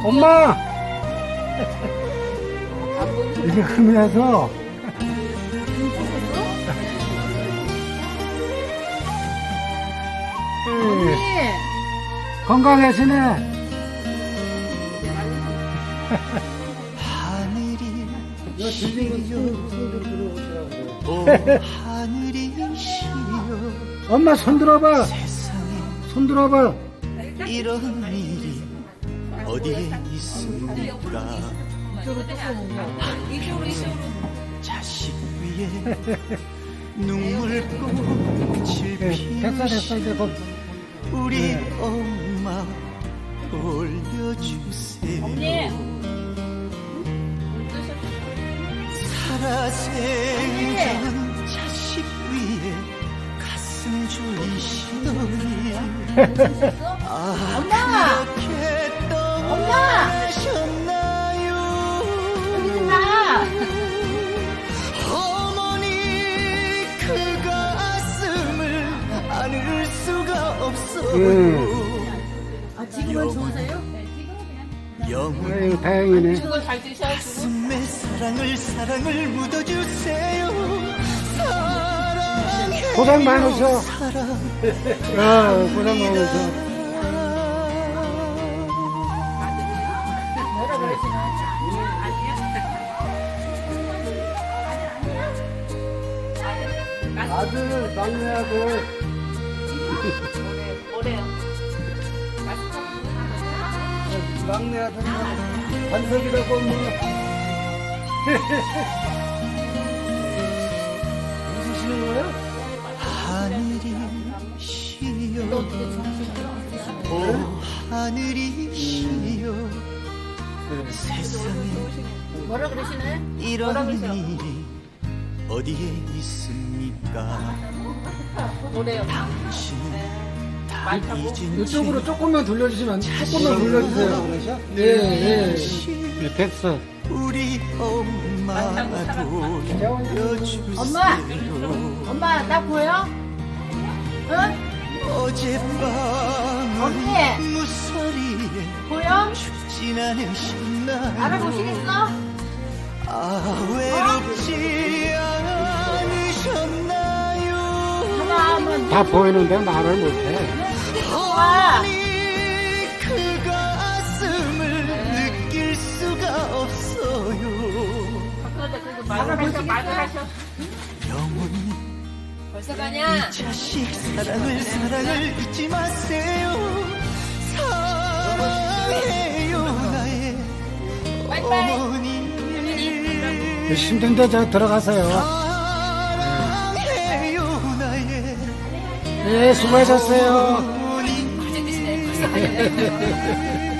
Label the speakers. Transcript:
Speaker 1: 엄마! 이게 흠해서.
Speaker 2: 언니.
Speaker 1: 건강하시네.
Speaker 3: 하늘이 하늘이 시여
Speaker 1: 엄마 손 들어봐.
Speaker 3: 세상에
Speaker 1: 손 들어봐.
Speaker 3: 이런 일이 어디에 있습니까? 자식 위에 눈물꽃을
Speaker 1: 됐어, 이제 곧.
Speaker 3: 우리 엄마 올려주세요. 살아생전 자식 위에 가슴 졸이시더니
Speaker 2: 엄마!
Speaker 3: 그렇게
Speaker 2: 엄마!
Speaker 3: 떠나셨나요?
Speaker 2: 나.
Speaker 3: 어머니 그 가슴을 안을 수가 없어요.
Speaker 2: 지금은 좋으세요?
Speaker 3: 영원
Speaker 1: 아유, 다행이네.
Speaker 3: 가슴에 사랑을 묻어주세요. 사랑해요.
Speaker 1: 고생 많으셔.
Speaker 3: 사랑.
Speaker 1: 고생 많으셔.
Speaker 2: 뭐라 그러시나?
Speaker 1: 아들, 막내 아들.
Speaker 2: 뭐래요?
Speaker 1: 막내 아들, 반석이라고 뭐. 웃으시는 거야?
Speaker 3: 하늘이 시여 오 하늘이 시여 세상에
Speaker 2: 뭐라 그러시나요?
Speaker 3: 이런 일이 어디에 있습니까?
Speaker 2: 뭐래요?
Speaker 3: 당신은 다 잊은
Speaker 1: 이쪽으로 조금만 돌려주시면 안 돼? 조금만 돌려주세요. 예. 됐어.
Speaker 3: 우리 엄마 돌려주세요.
Speaker 2: 엄마! 엄마, 나 보여? 응?
Speaker 3: 어젯밤
Speaker 2: 언니!
Speaker 3: 무서리에
Speaker 2: 보여?
Speaker 3: 죽진 않으셨나요?
Speaker 2: 알아보시겠어?
Speaker 3: 아 외롭지 않으셨나요?
Speaker 2: 하나 하면
Speaker 1: 다 보이는데 말을 못해.
Speaker 2: 와.
Speaker 3: 어머니 그 가슴을 느낄 수가 없어요.
Speaker 2: 알아보시겠어?
Speaker 3: 영원히
Speaker 2: 벌써 가냐?
Speaker 3: 이 자식 사랑을 잊지 마세요. 사랑해요 나의
Speaker 2: 빠이빠이.
Speaker 3: 어머니.
Speaker 1: 힘든데 저 들어가세요.
Speaker 3: 사랑해요 나의
Speaker 1: 네, 수고하셨어요.
Speaker 3: 어머니.